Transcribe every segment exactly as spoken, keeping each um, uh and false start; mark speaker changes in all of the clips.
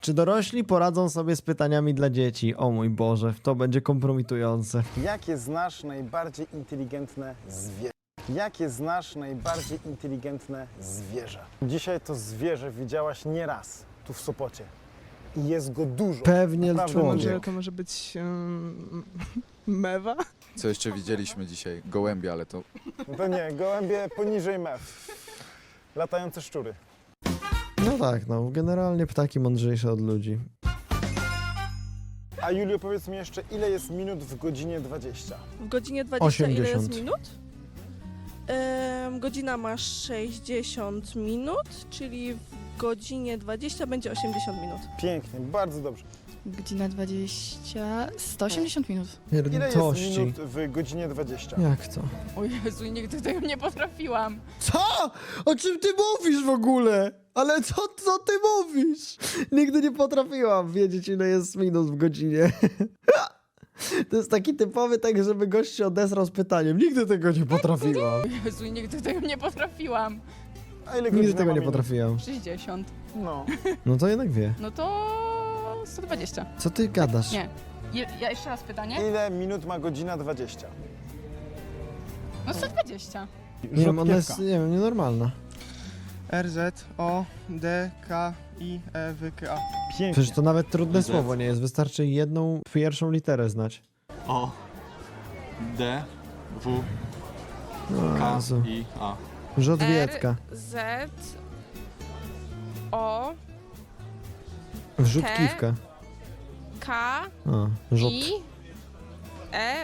Speaker 1: Czy dorośli poradzą sobie z pytaniami dla dzieci? O mój Boże, to będzie kompromitujące.
Speaker 2: Jakie znasz najbardziej inteligentne zwierzę? Jakie znasz najbardziej inteligentne zwierzę? Dzisiaj to zwierzę widziałaś nieraz tu w Sopocie. I jest go dużo.
Speaker 1: Pewnie
Speaker 2: Naprawdę
Speaker 1: człowiek.
Speaker 3: Może, to może być um, mewa?
Speaker 4: Co jeszcze widzieliśmy dzisiaj? Gołębie, ale to...
Speaker 2: No to nie, gołębie poniżej mew. Latające szczury.
Speaker 1: No tak, no, generalnie ptaki mądrzejsze od ludzi.
Speaker 2: A Julio, powiedz mi jeszcze, ile jest minut w godzinie dwadzieścia?
Speaker 5: W godzinie dwadzieścia ile jest
Speaker 1: osiemdziesiąt.
Speaker 5: minut? Ym, godzina ma sześćdziesiąt minut, czyli w godzinie dwadzieścia będzie osiemdziesiąt minut.
Speaker 2: Pięknie, bardzo dobrze.
Speaker 6: Godzina dwadzieścia, sto osiemdziesiąt minut.
Speaker 2: Ile jest
Speaker 1: Pierdolności.
Speaker 2: minut w godzinie dwadzieścia?
Speaker 1: Jak to?
Speaker 6: O Jezu, nigdy tego nie potrafiłam.
Speaker 1: Co? O czym ty mówisz w ogóle? Ale co, co ty mówisz? Nigdy nie potrafiłam wiedzieć, ile jest minut w godzinie. To jest taki typowy tak, żeby gość się odezwał z pytaniem. Nigdy tego nie potrafiłam.
Speaker 6: O Jezu, nigdy tego nie potrafiłam.
Speaker 2: A ile
Speaker 1: Nigdy
Speaker 2: godzina
Speaker 1: tego
Speaker 2: ma
Speaker 1: nie
Speaker 2: minut?
Speaker 1: potrafiłam.
Speaker 6: sześćdziesiąt.
Speaker 2: No.
Speaker 1: No to jednak wie.
Speaker 6: No to sto dwadzieścia.
Speaker 1: Co ty gadasz?
Speaker 6: Nie. Je, ja jeszcze raz pytanie?
Speaker 2: Ile minut ma godzina dwadzieścia?
Speaker 6: No sto dwadzieścia.
Speaker 1: Nie wiem, ona jest, nie wiem, nienormalna.
Speaker 3: R Z O D K I E W K A.
Speaker 2: Pięknie.
Speaker 1: Przecież to nawet trudne
Speaker 7: Z.
Speaker 1: słowo nie jest. Wystarczy jedną pierwszą literę znać.
Speaker 7: O, D, W,
Speaker 1: O
Speaker 7: K,
Speaker 1: Jezu.
Speaker 7: I, A.
Speaker 1: Rzodwiecka.
Speaker 5: Z O
Speaker 1: Wrzutkiwka.
Speaker 5: K
Speaker 1: O, rzut.
Speaker 5: I E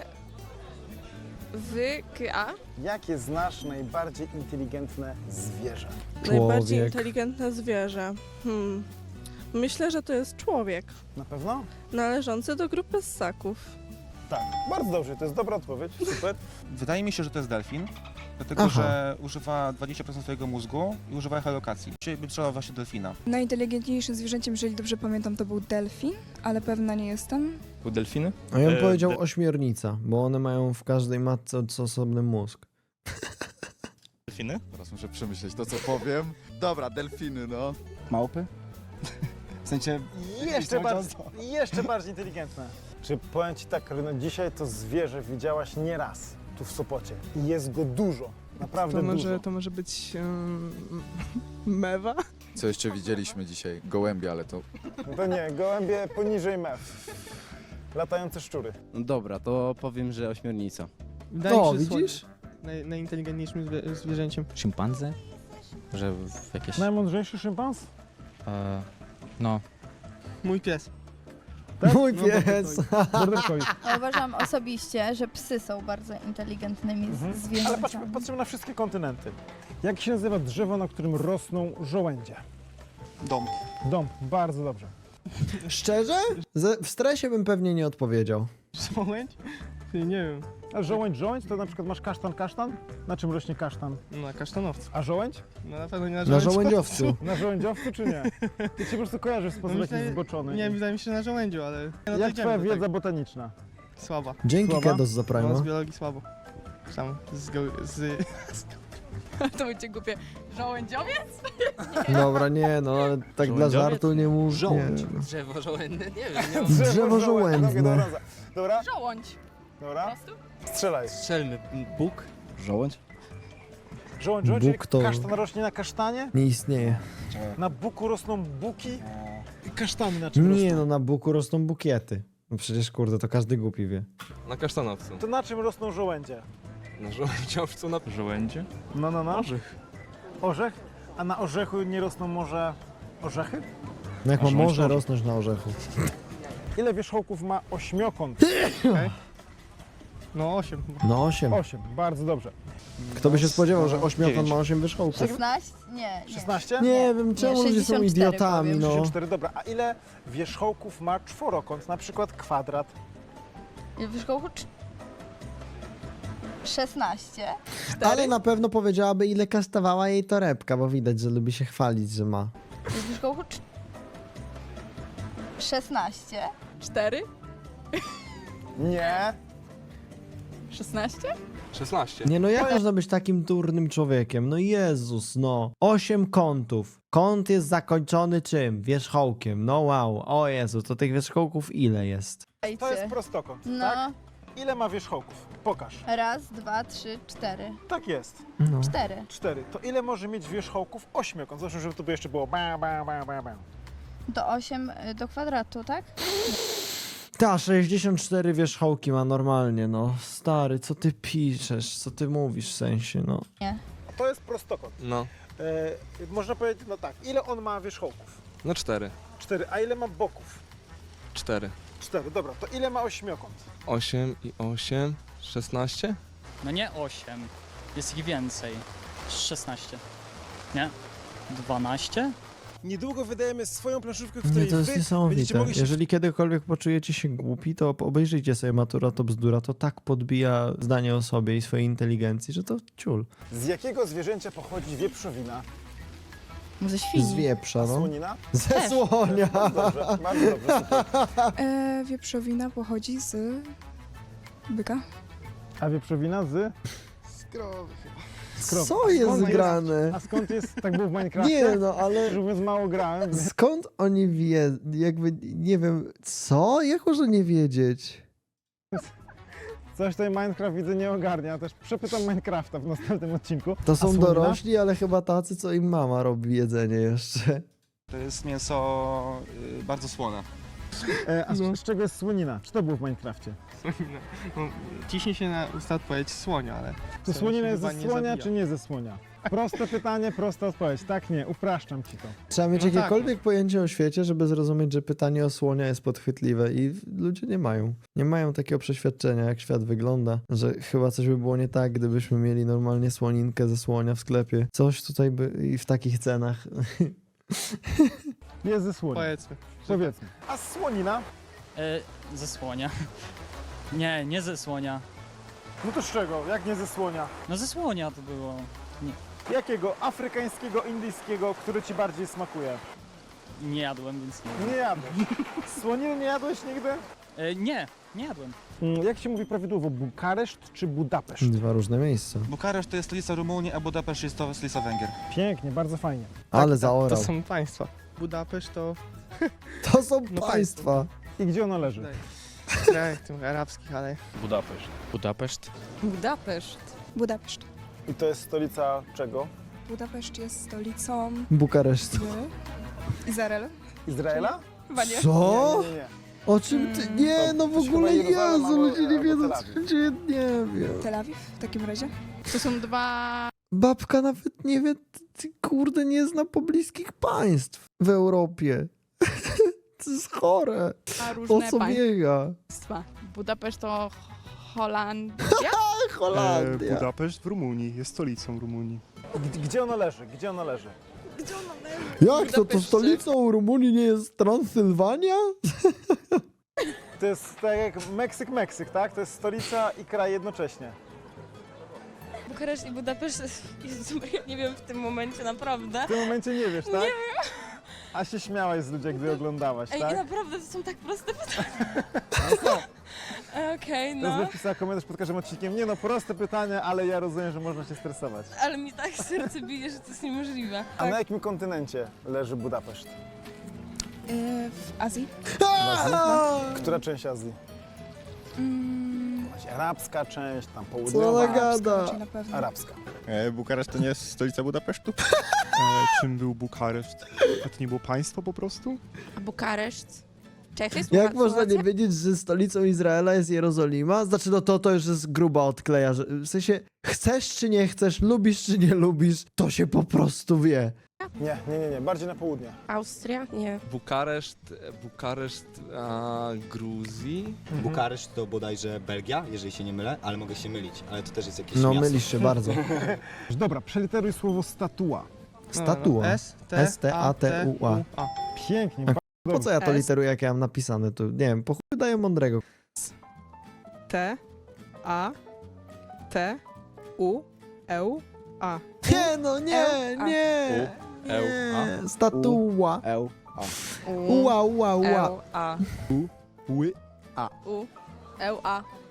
Speaker 5: W K A.
Speaker 2: Jakie znasz najbardziej inteligentne zwierzę?
Speaker 5: Najbardziej
Speaker 1: Człowiek.
Speaker 5: inteligentne zwierzę. Hmm. Myślę, że to jest człowiek
Speaker 2: Na pewno?
Speaker 5: należący do grupy ssaków.
Speaker 2: Tak. Bardzo dobrze, to jest dobra odpowiedź. Super.
Speaker 8: Wydaje mi się, że to jest delfin, dlatego
Speaker 1: Aha.
Speaker 8: że używa dwadzieścia procent swojego mózgu i używa echolokacji. Dzisiaj bym strzelał właśnie delfina.
Speaker 9: Najinteligentniejszym zwierzęciem, jeżeli dobrze pamiętam, to był delfin, ale pewna nie jestem.
Speaker 7: Był delfiny?
Speaker 1: A ja bym
Speaker 7: E,
Speaker 1: powiedział
Speaker 7: de-
Speaker 1: ośmiornica, bo one mają w każdej matce od- osobny mózg.
Speaker 7: Delfiny?
Speaker 4: Teraz muszę przemyśleć to, co powiem. Dobra, delfiny, no.
Speaker 8: Małpy? W sensie...
Speaker 2: Jeszcze bardziej, jeszcze bardziej inteligentne. Czy powiem ci tak, no dzisiaj to zwierzę widziałaś nieraz tu w Sopocie. I jest go dużo. Naprawdę
Speaker 3: To
Speaker 2: dużo.
Speaker 3: może, to może być um, mewa?
Speaker 4: Co jeszcze widzieliśmy dzisiaj? Gołębie, ale to...
Speaker 2: No to nie, gołębie poniżej mew. Latające szczury.
Speaker 10: No dobra, to powiem, że ośmiornica.
Speaker 3: Wydaje
Speaker 1: O,
Speaker 3: mi się, że
Speaker 1: widzisz?
Speaker 3: słoń- Naj, najinteligentniejszym zwie, zwierzęciem.
Speaker 10: Szympanzę? Że w jakieś...
Speaker 2: Najmądrzejszy szympans?
Speaker 10: E, no.
Speaker 3: Mój pies.
Speaker 1: Mój
Speaker 3: No,
Speaker 1: pies!
Speaker 11: Ja uważam osobiście, że psy są bardzo inteligentnymi
Speaker 2: Mhm.
Speaker 11: z-
Speaker 2: Ale
Speaker 11: zwierzętami.
Speaker 2: patrzmy, patrzymy na wszystkie kontynenty. Jak się nazywa drzewo, na którym rosną żołędzie?
Speaker 8: Dom.
Speaker 2: Dom. Bardzo dobrze.
Speaker 1: Szczerze? Ze, w stresie bym pewnie nie odpowiedział.
Speaker 3: Żołędź? Ty, nie wiem.
Speaker 2: A żołędź, żołędź, to na przykład masz kasztan, kasztan? Na czym rośnie kasztan?
Speaker 3: No, na kasztanowcu.
Speaker 2: A żołędź?
Speaker 3: No na pewno nie na
Speaker 1: Na
Speaker 3: żołędziu.
Speaker 1: żołędziowcu.
Speaker 2: Na żołędziowcu czy nie? Ty się po prostu kojarzysz w sposób
Speaker 3: No
Speaker 2: jakiś
Speaker 3: myślę-
Speaker 2: zboczony.
Speaker 3: Nie, wydaje mi się, że na żołędziu, ale... No to
Speaker 2: Jak
Speaker 3: idziemy
Speaker 2: twoja
Speaker 3: do
Speaker 2: wiedza
Speaker 3: tego.
Speaker 2: botaniczna?
Speaker 3: Słaba.
Speaker 1: Dzięki
Speaker 2: Słaba?
Speaker 1: Kedos za
Speaker 3: No,
Speaker 1: Prima.
Speaker 3: z biologii słabo. Sam z, go, z...
Speaker 6: To będzie głupie. Żołędziowiec?
Speaker 1: Dobra, nie no, ale tak dla
Speaker 10: Żołędziowiec?
Speaker 1: żartu nie mów. Nie.
Speaker 10: Żołądź. Drzewo żołędne? Nie wiem, nie mam...
Speaker 1: Drzewo
Speaker 2: Dobra,
Speaker 1: żołędne.
Speaker 2: Dobra, dobra,
Speaker 6: Żołądź. Po
Speaker 2: dobra.
Speaker 6: prostu?
Speaker 2: Strzelaj.
Speaker 10: Strzelmy. Bóg? Żołądź?
Speaker 2: Żołądź, żołądź,
Speaker 1: Bóg to-
Speaker 2: kasztan rośnie na kasztanie?
Speaker 1: Nie istnieje.
Speaker 2: Na buku rosną buki i kasztany na czym
Speaker 1: Nie
Speaker 2: rosną?
Speaker 1: no, na buku rosną bukiety. No przecież kurde, to każdy głupi wie.
Speaker 10: Na kasztanowcu.
Speaker 2: To na czym rosną żołędzie?
Speaker 10: Na żołędziowcu na... Żołędzie?
Speaker 2: No, no, no.
Speaker 10: Orzech.
Speaker 2: Orzech? A na orzechu nie rosną może orzechy?
Speaker 1: No jak
Speaker 10: A
Speaker 1: ma
Speaker 10: żołądź
Speaker 1: może
Speaker 10: to-
Speaker 1: rosnąć na orzechu.
Speaker 2: Ile wierzchołków ma ośmiokąt?
Speaker 3: No osiem.
Speaker 1: No osiem.
Speaker 2: Osiem, bardzo dobrze.
Speaker 1: Kto by się spodziewał, że ośmiokąt
Speaker 8: Dziewięć.
Speaker 1: ma osiem wierzchołków?
Speaker 11: szesnaście? Nie, nie.
Speaker 2: szesnaście?
Speaker 1: Nie wiem, czemu ludzie są
Speaker 11: sześćdziesiąt cztery
Speaker 1: idiotami,
Speaker 11: powiem.
Speaker 1: no.
Speaker 2: sześćdziesiąt cztery, dobra. A ile wierzchołków ma czworokąt, na przykład kwadrat?
Speaker 11: Wierzchołku cz- szesnaście.
Speaker 1: Ale na pewno powiedziałaby, ile kosztowała jej torebka, bo widać, że lubi się chwalić, że ma.
Speaker 11: Wierzchołku cz- szesnaście.
Speaker 6: Cztery?
Speaker 2: Nie.
Speaker 6: szesnaście?
Speaker 10: szesnaście.
Speaker 1: Nie no, jak można być takim durnym człowiekiem? No Jezus, no. Osiem kątów. Kąt jest zakończony czym? Wierzchołkiem. No wow. O Jezu, to tych wierzchołków ile jest?
Speaker 2: To jest prostokąt,
Speaker 11: No,
Speaker 2: tak? Ile ma wierzchołków? Pokaż.
Speaker 11: raz, dwa, trzy, cztery.
Speaker 2: Tak jest.
Speaker 1: No.
Speaker 11: Cztery.
Speaker 2: Cztery. To ile może mieć wierzchołków ośmiokąt? Zresztą, żeby to by jeszcze było ba, ba, ba, ba, ba.
Speaker 11: Do osiem y, do kwadratu, tak?
Speaker 1: Ta, sześćdziesiąt cztery wierzchołki ma normalnie, no. Stary, co ty piszesz? Co ty mówisz w sensie, no?
Speaker 2: To jest prostokąt.
Speaker 10: No.
Speaker 2: E, można powiedzieć, no tak, ile on ma wierzchołków?
Speaker 10: No cztery.
Speaker 2: Cztery. A ile ma boków?
Speaker 10: cztery.
Speaker 2: Cztery. Dobra, to ile ma ośmiokąt?
Speaker 10: osiem i osiem. szesnaście?
Speaker 12: No nie osiem, jest ich więcej. szesnaście. Nie? dwanaście?
Speaker 2: Niedługo wydajemy swoją planszówkę, w
Speaker 1: Nie,
Speaker 2: której
Speaker 1: to jest
Speaker 2: wy będziecie
Speaker 1: niesamowite.
Speaker 2: mogli się...
Speaker 1: Jeżeli kiedykolwiek poczujecie się głupi, to obejrzyjcie sobie Matura to bzdura. To tak podbija zdanie o sobie i swojej inteligencji, że to ciul.
Speaker 2: Z jakiego zwierzęcia pochodzi wieprzowina?
Speaker 6: Ze
Speaker 1: Z
Speaker 6: świni.
Speaker 1: wieprza,
Speaker 2: A
Speaker 1: no.
Speaker 2: słonina?
Speaker 1: Ze słonia.
Speaker 2: Dobrze, bardzo dobrze, super.
Speaker 9: E, wieprzowina pochodzi z byka.
Speaker 2: A wieprzowina z?
Speaker 8: Skrowy chyba.
Speaker 2: Skrowy.
Speaker 1: Co jest
Speaker 2: Skąd
Speaker 1: grane?
Speaker 2: A skąd jest, tak było w Minecrafcie?
Speaker 1: Nie no, ale
Speaker 2: Że mówiąc, mało grałem. więc-
Speaker 1: skąd oni wie, jakby, nie wiem, co? Jak można nie wiedzieć?
Speaker 2: Coś tutaj Minecraft widzę nie ogarnia, też przepytam Minecrafta w następnym odcinku.
Speaker 1: To
Speaker 2: A
Speaker 1: są
Speaker 2: słonina?
Speaker 1: dorośli, ale chyba tacy, co im mama robi jedzenie jeszcze.
Speaker 8: To jest mięso y, bardzo słone.
Speaker 2: E, a z,
Speaker 3: No.
Speaker 2: z czego jest słonina? Czy to było w Minecrafcie?
Speaker 3: Słonina. No, ciśnie się na usta odpowiedź słonia, ale...
Speaker 2: To
Speaker 3: Słonia
Speaker 2: słonina
Speaker 3: się
Speaker 2: jest
Speaker 3: chyba
Speaker 2: ze
Speaker 3: nie
Speaker 2: słonia,
Speaker 3: zabija.
Speaker 2: czy nie ze słonia? Proste pytanie, prosta odpowiedź. Tak, nie, upraszczam ci to.
Speaker 1: Trzeba mieć
Speaker 3: No tak.
Speaker 1: jakiekolwiek pojęcie o świecie, żeby zrozumieć, że pytanie o słonia jest podchwytliwe i ludzie nie mają. Nie mają takiego przeświadczenia, jak świat wygląda, że chyba coś by było nie tak, gdybyśmy mieli normalnie słoninkę ze słonia w sklepie. Coś tutaj by i w takich cenach.
Speaker 2: Jest ze słonia.
Speaker 3: Powiedzmy.
Speaker 2: Powiedzmy. A słonina?
Speaker 12: E, ze słonia. Nie, nie ze słonia.
Speaker 2: No to z czego? Jak nie ze słonia?
Speaker 12: No ze słonia to było.
Speaker 2: Jakiego afrykańskiego, indyjskiego, który ci bardziej smakuje?
Speaker 12: Nie jadłem, więc nie.
Speaker 2: Nie jadłeś. Słoniny nie jadłeś nigdy?
Speaker 12: E, nie, nie jadłem.
Speaker 2: Mm, Jak się mówi prawidłowo? Bukareszt czy Budapeszt?
Speaker 1: Dwa różne miejsca.
Speaker 8: Bukareszt to jest stolica Rumunii, a Budapeszt jest to stolica Węgier.
Speaker 2: Pięknie, bardzo fajnie.
Speaker 1: Ale
Speaker 3: To
Speaker 1: zaorał.
Speaker 3: są państwa. Budapeszt to
Speaker 1: To są
Speaker 3: No
Speaker 1: państwa.
Speaker 2: I gdzie ono leży?
Speaker 3: w krajach tych arabskich, ale...
Speaker 10: Budapeszt. Budapeszt?
Speaker 6: Budapeszt.
Speaker 9: Budapeszt.
Speaker 2: I to jest stolica czego?
Speaker 9: Budapeszt jest stolicą
Speaker 1: Bukareszt.
Speaker 9: z Izrael.
Speaker 2: Izraela?
Speaker 9: Chyba nie.
Speaker 1: Co?
Speaker 2: Nie, nie, nie.
Speaker 1: O czym ty? Nie, no w
Speaker 2: To się
Speaker 1: ogóle
Speaker 2: chyba Jeruzalem
Speaker 1: Jezu,
Speaker 2: albo-
Speaker 1: ludzie nie
Speaker 2: albo
Speaker 1: wiedzą,
Speaker 2: Tel
Speaker 1: co
Speaker 2: Awiw.
Speaker 1: się dzieje, nie wiem.
Speaker 9: Tel Awiw w takim razie.
Speaker 6: To są dwa...
Speaker 1: Babka nawet nie wie, ty, kurde, nie zna pobliskich państw w Europie. To jest chore.
Speaker 6: dwa
Speaker 1: O
Speaker 6: różne
Speaker 1: co biega?
Speaker 6: państwa. Budapeszt to Holandia?
Speaker 1: Holandia.
Speaker 3: Budapeszt w Rumunii, jest stolicą Rumunii.
Speaker 2: G- Gdzie ono leży? Gdzie ono leży?
Speaker 1: Jak to? To
Speaker 6: Budapeszcie.
Speaker 1: stolicą Rumunii nie jest Transylwania?
Speaker 2: To jest tak jak Meksyk, Meksyk, tak? To jest stolica i kraj jednocześnie.
Speaker 5: Bukareszt i Budapeszt, Jezu, ja nie wiem w tym momencie naprawdę.
Speaker 2: W tym momencie nie wiesz, tak? Nie wiem. A się śmiałaś z ludzi, gdy oglądałaś,
Speaker 5: Ej,
Speaker 2: tak?
Speaker 5: naprawdę to są tak proste pytania. Okej,
Speaker 2: Teraz
Speaker 5: no.
Speaker 2: napisała komentarz pod każdym odcinkiem. Nie no, proste pytanie, ale ja rozumiem, że można się stresować.
Speaker 5: Ale mi tak serce bije, że to jest niemożliwe.
Speaker 2: A na jakim kontynencie leży Budapeszt?
Speaker 9: E, w Azji.
Speaker 2: Która część Azji?
Speaker 9: Mm,
Speaker 2: Jakaś arabska część, tam
Speaker 1: Co
Speaker 2: południowa.
Speaker 1: ona
Speaker 9: arabska
Speaker 1: gada?
Speaker 9: raczej na pewno.
Speaker 2: Arabska.
Speaker 4: E, Bukareszt to nie jest stolica Budapesztu?
Speaker 3: E, czym był Bukareszt? A to nie było państwo po prostu?
Speaker 6: A Bukareszt? Czechy?
Speaker 1: Jak można nie wiedzieć, że stolicą Izraela jest Jerozolima? Znaczy, no to, to już jest gruba odkleja, że w sensie chcesz czy nie chcesz, lubisz czy nie lubisz, to się po prostu wie.
Speaker 2: Nie, nie, nie, nie, bardziej na południe.
Speaker 6: Austria? Nie.
Speaker 10: Bukareszt, Bukareszt, a, Gruzji?
Speaker 13: Bukareszt to bodajże Belgia, jeżeli się nie mylę, ale mogę się mylić, ale to też jest jakieś
Speaker 1: No,
Speaker 13: miasto.
Speaker 1: mylisz się bardzo.
Speaker 2: Dobra, przeliteruj słowo statua.
Speaker 1: Statua.
Speaker 3: S, T,
Speaker 1: S, T, A, T, U, A.
Speaker 3: A.
Speaker 2: Pięknie,
Speaker 1: A
Speaker 2: bardzo
Speaker 1: Po co ja to
Speaker 6: S.
Speaker 1: literuję, jak ja mam napisane? To nie wiem, po chuj daję mądrego.
Speaker 5: T, A, T, U, E, A.
Speaker 1: Nie, no nie,
Speaker 5: A.
Speaker 1: nie.
Speaker 10: Eł,
Speaker 1: Nie, statua.
Speaker 13: Eł, a.
Speaker 1: Ua, ua, ua.
Speaker 5: A.
Speaker 13: Ły,
Speaker 5: U, E, A.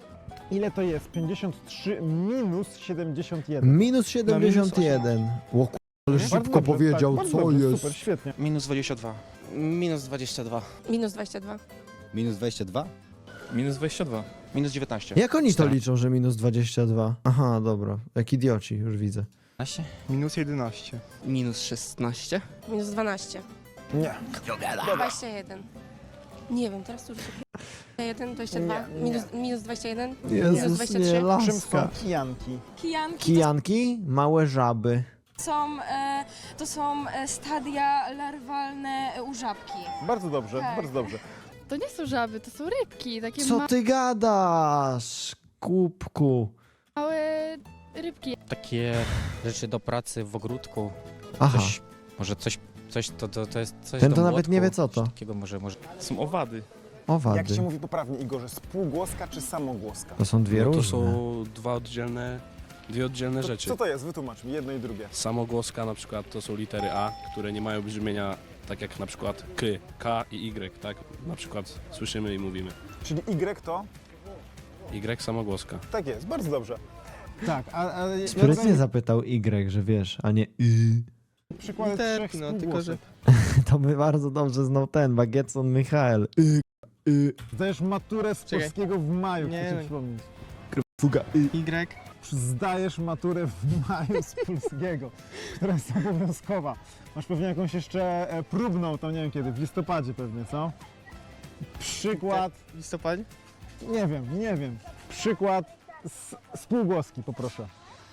Speaker 2: Ile to jest? pięćdziesiąt trzy minus siedemdziesiąt jeden.
Speaker 1: Minus siedemdziesiąt jeden. O ku... ale
Speaker 2: Bardzo
Speaker 1: szybko
Speaker 2: dobrze,
Speaker 1: powiedział,
Speaker 2: tak, bardzo
Speaker 1: co
Speaker 2: dobrze,
Speaker 1: jest?
Speaker 2: Super, świetnie.
Speaker 8: Minus dwadzieścia dwa.
Speaker 12: Minus dwadzieścia dwa.
Speaker 5: Minus dwadzieścia dwa.
Speaker 13: Minus dwadzieścia dwa?
Speaker 7: Minus dwadzieścia dwa.
Speaker 8: Minus dziewiętnaście.
Speaker 1: Jak oni to liczą, że minus dwadzieścia dwa? Aha, dobra. Jak idioci, już widzę.
Speaker 3: Minus jedenaście.
Speaker 10: Minus szesnaście.
Speaker 5: Minus dwanaście.
Speaker 2: Nie.
Speaker 5: dwadzieścia jeden. Nie wiem, teraz już jeden, dwadzieścia dwa.
Speaker 2: Nie, nie.
Speaker 5: Minus, minus dwadzieścia jeden.
Speaker 1: Jezus,
Speaker 5: dwadzieścia
Speaker 1: nie,
Speaker 5: trzy.
Speaker 2: Czym są
Speaker 1: laska.
Speaker 2: kijanki?
Speaker 9: Kijanki
Speaker 1: Kijanki? Małe żaby.
Speaker 9: to są, e, to są e, stadia larwalne u żabki.
Speaker 2: Bardzo dobrze,
Speaker 9: Tak.
Speaker 2: bardzo dobrze.
Speaker 6: To nie są żaby, to są rybki, takie
Speaker 1: Co ty gadasz, kubku?
Speaker 6: małe rybki.
Speaker 12: Takie rzeczy do pracy w ogródku.
Speaker 1: Aha,
Speaker 12: może coś, coś to, to, to jest coś
Speaker 1: ten
Speaker 12: do
Speaker 1: to nawet
Speaker 12: młotku,
Speaker 1: nie wie co to.
Speaker 12: coś Takiego może, może.
Speaker 7: Są owady.
Speaker 2: Jak
Speaker 1: Owady.
Speaker 2: się mówi poprawnie, Igorze? Spółgłoska czy samogłoska?
Speaker 1: To są dwie
Speaker 7: No to
Speaker 1: różne.
Speaker 7: są dwa oddzielne, dwie oddzielne
Speaker 2: To,
Speaker 7: rzeczy.
Speaker 2: co to jest? Wytłumacz mi jedno i drugie.
Speaker 7: Samogłoska na przykład to są litery A, które nie mają brzmienia tak jak na przykład K, K i Y, tak? Na przykład słyszymy i mówimy.
Speaker 2: Czyli Y to?
Speaker 7: Y samogłoska.
Speaker 2: Tak jest, bardzo dobrze. Tak, a, a
Speaker 1: Sprytnie zapytał Y, że wiesz, a nie Y.
Speaker 2: przykłady
Speaker 3: Literki,
Speaker 2: trzech
Speaker 3: no, tylko że-
Speaker 2: spółgłosek.
Speaker 1: To by bardzo dobrze znał ten, Bagietson Michael. Y, y,
Speaker 2: Zdajesz maturę z
Speaker 3: Czekaj.
Speaker 2: polskiego w maju,
Speaker 3: Nie,
Speaker 2: chcę ci
Speaker 3: no.
Speaker 2: przypomnieć.
Speaker 1: fuga, y.
Speaker 3: Y.
Speaker 2: Zdajesz maturę w maju z polskiego, która jest obowiązkowa. Masz pewnie jakąś jeszcze e, próbną, to nie wiem kiedy, w listopadzie pewnie, co? Przykład,
Speaker 3: W listopadzie?
Speaker 2: nie wiem, nie wiem. Przykład z spółgłoski, poproszę.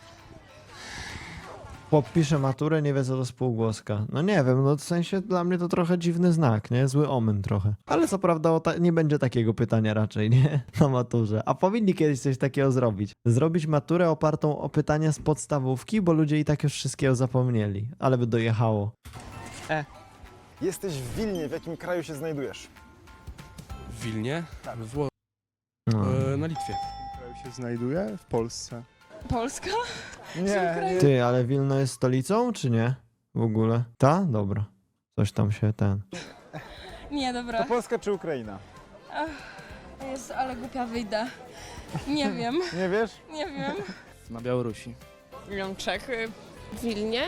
Speaker 1: Podpisze maturę, nie wie co to spółgłoska. No nie wiem, no w sensie dla mnie to trochę dziwny znak, nie? Zły omen trochę. Ale co prawda o ta- nie będzie takiego pytania raczej, nie? Na maturze. A powinni kiedyś coś takiego zrobić. Zrobić maturę opartą o pytania z podstawówki, bo ludzie i tak już wszystkiego zapomnieli. Ale by dojechało.
Speaker 2: Jesteś w Wilnie, w jakim kraju się znajdujesz?
Speaker 7: W Wilnie?
Speaker 2: Tak.
Speaker 7: W Wło-
Speaker 1: No.
Speaker 7: e, na Litwie.
Speaker 3: W kraju się znajduje? W Polsce.
Speaker 9: Polska?
Speaker 2: Nie, nie.
Speaker 1: Ty, ale Wilno jest stolicą, czy nie? W ogóle? Ta? Dobra. Coś tam się ten...
Speaker 9: Nie,
Speaker 2: To
Speaker 9: dobra.
Speaker 2: Polska czy Ukraina?
Speaker 9: Jest, ale głupia wyjdę. Nie wiem,
Speaker 2: Nie wiesz?
Speaker 9: nie wiem.
Speaker 10: Na Białorusi.
Speaker 5: Czechy. W Wilnie?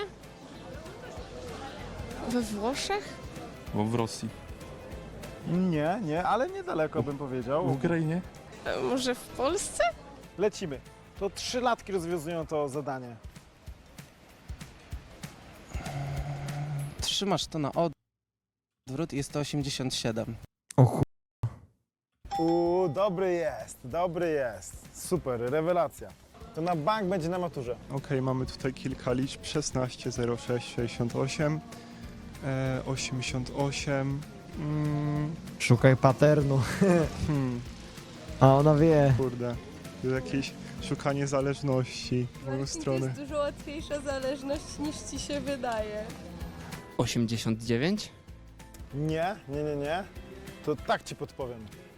Speaker 5: We Włoszech?
Speaker 7: Bo w Rosji.
Speaker 2: Nie, nie, ale niedaleko bym powiedział.
Speaker 7: Ukrainie?
Speaker 5: E, Może w Polsce?
Speaker 2: Lecimy. To trzy latki rozwiązują to zadanie.
Speaker 12: Trzymasz to na odwrót i jest to osiemdziesiąt siedem.
Speaker 1: O chu...
Speaker 2: Uuu, dobry jest, dobry jest. Super, rewelacja. To na bank będzie na maturze.
Speaker 3: Okej, mamy tutaj kilka liczb. szesnaście, zero sześć, sześćdziesiąt osiem, e, osiemdziesiąt osiem. Mm,
Speaker 1: Szukaj paternu.
Speaker 3: hmm,
Speaker 1: A ona wie.
Speaker 3: kurde. To jest jakieś szukanie zależności w drugą stronę.
Speaker 5: dużo łatwiejsza zależność niż ci się wydaje.
Speaker 10: osiemdziesiąt dziewięć.
Speaker 2: Nie, nie, nie, nie. To tak ci podpowiem.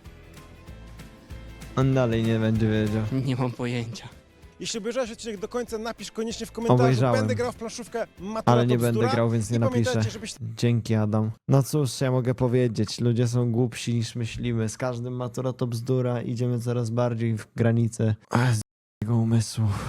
Speaker 1: On dalej nie będzie wiedział.
Speaker 10: Nie mam pojęcia.
Speaker 2: Jeśli obejrzałeś odcinek do końca, napisz koniecznie w komentarzu.
Speaker 1: Obejrzałem.
Speaker 2: Będę grał w planszówkę Matura
Speaker 1: Ale nie
Speaker 2: to
Speaker 1: będę
Speaker 2: bzdura.
Speaker 1: grał, więc nie
Speaker 2: I
Speaker 1: napiszę.
Speaker 2: pamiętajcie, żebyś
Speaker 1: Dzięki, Adam. No cóż, ja mogę powiedzieć. Ludzie są głupsi niż myślimy. Z każdym matura to bzdura. Idziemy coraz bardziej w granice Ach, z jego umysłu.